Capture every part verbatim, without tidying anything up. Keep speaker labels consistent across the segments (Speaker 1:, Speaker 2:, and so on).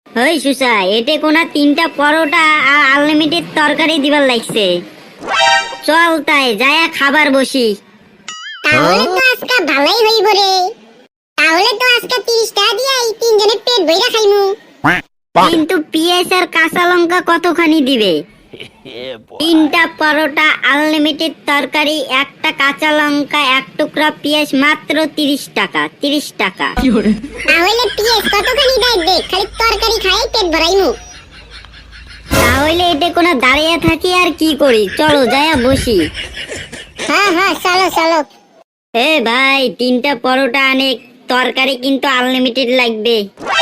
Speaker 1: ওই সুসা, এতে কোনা তিনটা পরোটা আর আনলিমিটেড তরকারি দিবার লাগছে। চল তাই যায়া খাবার বসি।
Speaker 2: তাহলে তো আজকে ভালোই হইব রে। তাহলে তো আজকে তিরিশ টাকা দিয়ে এই তিনজনের পেট ভইরা খাইমু।
Speaker 1: কিন্তু পিঁয়াজ আর কাঁচা লঙ্কা কতখানি দিবে? তিনটা পরোটা, আনলিমিটেড তরকারি, একটা কাঁচা লঙ্কা, এক টুকরা পেঁয়াজ, মাত্র তিরিশ টাকা। তিরিশ টাকা।
Speaker 2: তাহলে পিএস কতখানি দেয় দেখ, খালি তরকারি খাই পেট ভরাইমু।
Speaker 1: তাহলে এটা কোনো দাঁড়িয়ে থাকি আর কি করি, চলো যায়া বসি।
Speaker 2: হ্যাঁ হ্যাঁ চলো চলো।
Speaker 1: এ ভাই, তিনটা পরোটা অনেক, তরকারি কিন্তু আনলিমিটেড লাগবে।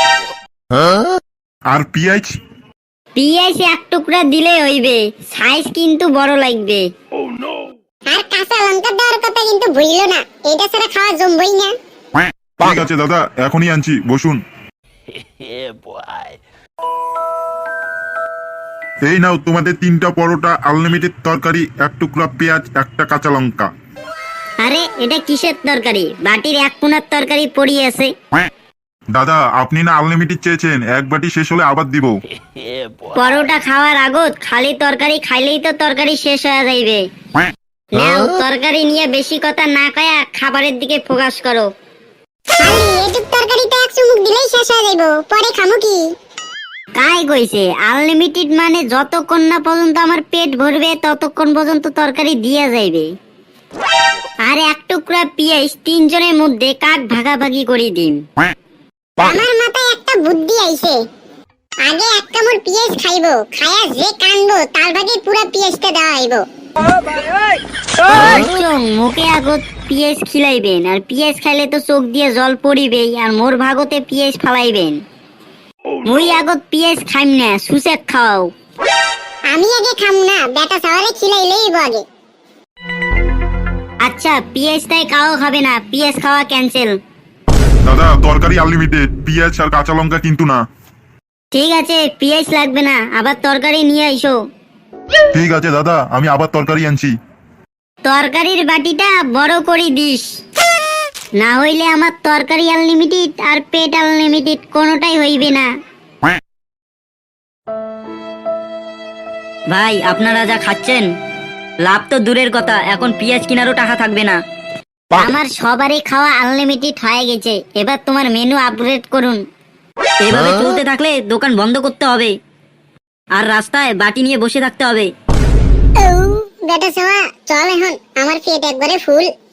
Speaker 3: আর পিঁয়াজ?
Speaker 1: পিঁয়াজ এক টুকরা দিলে হইবে, সাইজ কিন্তু বড় লাগবে।
Speaker 2: আর কাঁচা লঙ্কা দেওয়ার কথা কিন্তু ভুইলো না, এটা ছাড়া খাওয়া জমবই না।
Speaker 3: ঠিক আছে দাদা, এখনই আনছি, বসুন। এই নাও তোমাদের তিনটা পরোটা, আনলিমিটেড তরকারি, এক টুকরা পেঁয়াজ, একটা কাঁচা লঙ্কা।
Speaker 1: আরে এটা কিসের তরকারি? বাটির এক কোনার তরকারি পড়িয়ে আছে।
Speaker 3: দাদা, আপনি না আনলিমিটেড চেয়েছেন, এক বাটি শেষ হলে আবার দিব।
Speaker 1: পরোটা খাওয়ার আগত খালি তরকারি খাইলেই তো তরকারি শেষ হয়ে যাইবে। নাও তরকারি নিয়ে বেশি কথা না কয়া খাবারের দিকে ফোকাস করো।
Speaker 2: খালি এটুক তরকারিতে এক চুমুক দিলেই শেষ হয়ে যাইব, পরে খামু কি?
Speaker 1: কাই কইছে আনলিমিটেড মানে যতক্ষণ না পর্যন্ত আমার পেট ভরবে ততক্ষণ পর্যন্ত তরকারি দিয়া যাইবে। আর এক টুকরা পেঁয়াজ তিনজনের মধ্যে কাক ভাগাভাগি করে দিন।
Speaker 2: আমার মাথায় একটা বুদ্ধি আইছে। আগে এক কামড় পেঁয়াজ খাইবো, খায়া যে কানবো তার ভাগে পুরো পেঁয়াজটা দেওয়া হইব।
Speaker 1: চোখ মুখে আগত পেঁয়াজ খিলাইবেন, আর পেঁয়াজ খাইলে তো চোখ দিয়ে জল পড়িবেই, আর মোর ভাগতে পেঁয়াজ ফালাইবেন। মুই আগত পেঁয়াজ খাইম না, সুসেক খাও।
Speaker 2: আমি আগে খাম না, বেটা সাওয়ারে খিলাইলেই হইব আগে।
Speaker 1: আচ্ছা পেঁয়াজ তাই কাও খাবে না, পেঁয়াজ খাওয়া ক্যান্সেল।
Speaker 3: দাদা, তরকারি আনলিমিটেড, পেঁয়াজ আর কাঁচা লঙ্কা কিন্তু না।
Speaker 1: ঠিক আছে, পেঁয়াজ লাগবে না, আবার তরকারি নিয়ে আইসো।
Speaker 3: ঠিক আছে দাদা, আমি আবার তরকারি আনছি।
Speaker 1: তরকারির বাটিটা বড় করে দিস, না হইলে আমার তরকারি আনলিমিটেড আর পেট আনলিমিটেড কোনোটাই হইবে না।
Speaker 4: ভাই, আপনারা যা খাচ্ছেন, লাভ তো দূরের কথা, এখন পেঁয়াজ কেনারও টাকা থাকবে না।
Speaker 1: আমার সবারই খাওয়া আনলিমিটেড হয়ে গেছে, এবার তোমার মেনু আপগ্রেড করুন।
Speaker 4: এভাবে চলতে থাকলে দোকান বন্ধ করতে হবে, আর রাস্তায় বাটি নিয়ে বসে থাকতে হবে।
Speaker 2: বেটা সাওয়া চল এখন, আমার পেট একবারে ফুল।